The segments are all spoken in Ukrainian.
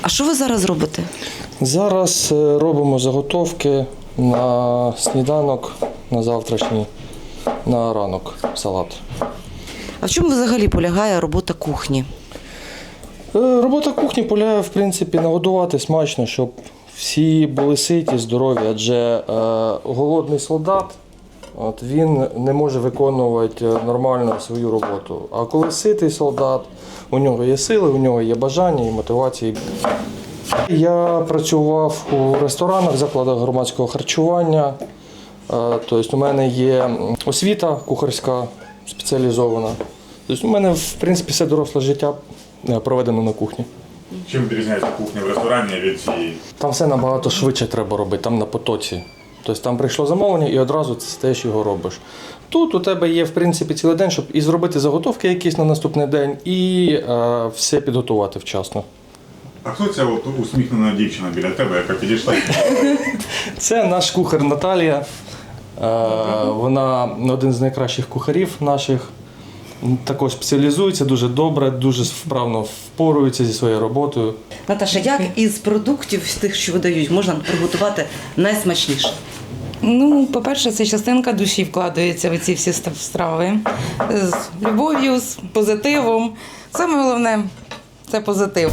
що ви зараз робите? Зараз робимо заготовки на сніданок, на завтрашній, на ранок салат. А в чому взагалі полягає робота кухні? Робота кухні полягає, в принципі, нагодувати смачно, щоб всі були ситі, здорові, адже голодний солдат, він не може виконувати нормально свою роботу. А коли ситий солдат, у нього є сили, у нього є бажання і мотивації. Я працював у ресторанах, закладах громадського харчування. Тобто у мене є освіта кухарська спеціалізована. Тобто у мене, в принципі, все доросле життя проведено на кухні. Чим відрізняється кухня в ресторані від цієї? Там все набагато швидше треба робити, там на потоці. Тобто там прийшло замовлення і одразу ти теж його робиш. Тут у тебе є, в принципі, цілий день, щоб і зробити заготовки якісь на наступний день, і все підготувати вчасно. А хто ця от усміхнена дівчина біля тебе, яка підійшла? Це наш кухар Наталія. Вона один з найкращих кухарів наших. Також спеціалізується дуже добре, дуже вправно впорується зі своєю роботою. Наташа, як із продуктів тих, що видають, можна приготувати найсмачніше? Ну, по-перше, це частинка душі вкладається в ці всі страви. З любов'ю, з позитивом. Саме головне – це позитив.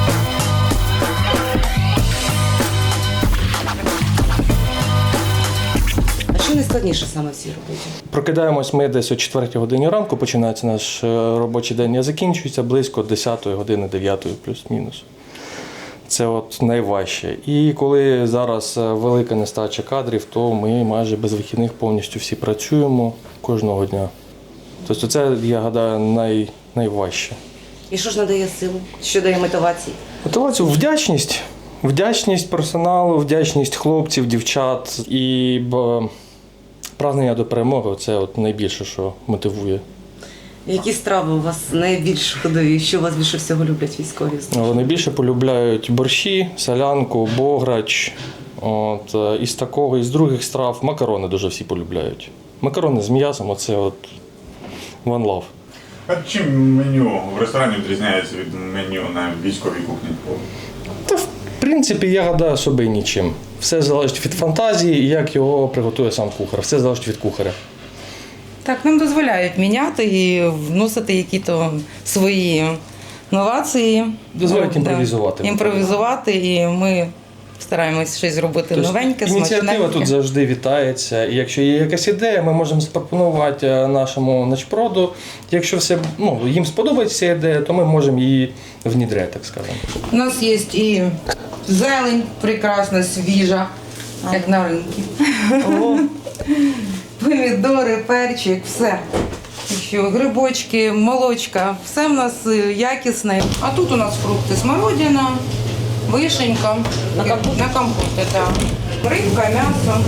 А що найскладніше саме в цій роботі? Прокидаємось ми десь о 4 годині ранку, починається наш робочий день, а закінчується близько 10 години, 9 плюс-мінус. Це от найважче. І коли зараз велика нестача кадрів, то ми майже без вихідних повністю всі працюємо кожного дня. Тобто це, я гадаю, найважче. І що ж надає силу? Що дає мотивації? Мотивацію вдячність. Вдячність персоналу, вдячність хлопців, дівчат і прагнення до перемоги – це от найбільше, що мотивує. Які страви у вас найбільш ходові? Що у вас більше всього люблять військові? Найбільше полюбляють борщі, солянку, бограч. Із такого, із других страв макарони дуже всі полюбляють. Макарони з м'ясом – оце от one love. А чим меню в ресторані відрізняється від меню на військовій кухні? Та, в принципі, я гадаю, собі нічим. Все залежить від фантазії і як його приготує сам кухар. Все залежить від кухаря. Так, нам дозволяють міняти і вносити якісь свої новації. Дозволяють імпровізувати. Імпровізувати, і ми стараємось щось зробити новеньке, ініціатива смачненьке. тут завжди вітається. І якщо є якась ідея, ми можемо запропонувати нашому начпроду. Якщо їм сподобається ця ідея, то ми можемо її внідряти, так скажемо. У нас є і зелень прекрасна, свіжа, як на ринку. Помідори, перчик, все. Що, грибочки, молочка, все в нас якісне. А тут у нас фрукти: смородина, вишенька, на компоти, так. Рибка, м'ясо.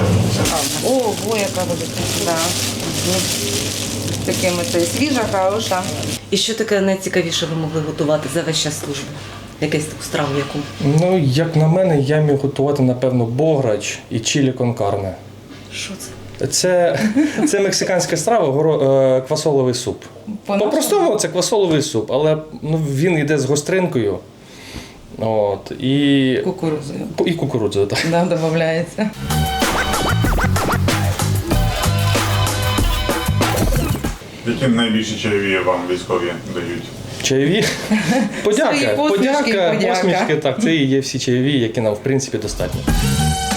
Ого, яка велика. Да. Такими це свіжа, хороша. І що таке найцікавіше ви могли готувати за весь час служби? Якусь таку страву яку? Як на мене, я міг готувати, напевно, бограч і чилі кон карне. Що це? Це мексиканська страва, квасоловий суп. По-простому це квасоловий суп, але він йде з гостринкою. І Кукурудзою. І кукурудзою, так. Да, додається. Які найбільші чайові вам військові дають? Чайові? Подяка, Свої посмішки, подяка. посмішки, так, це і є всі чайові, які нам, в принципі, достатньо.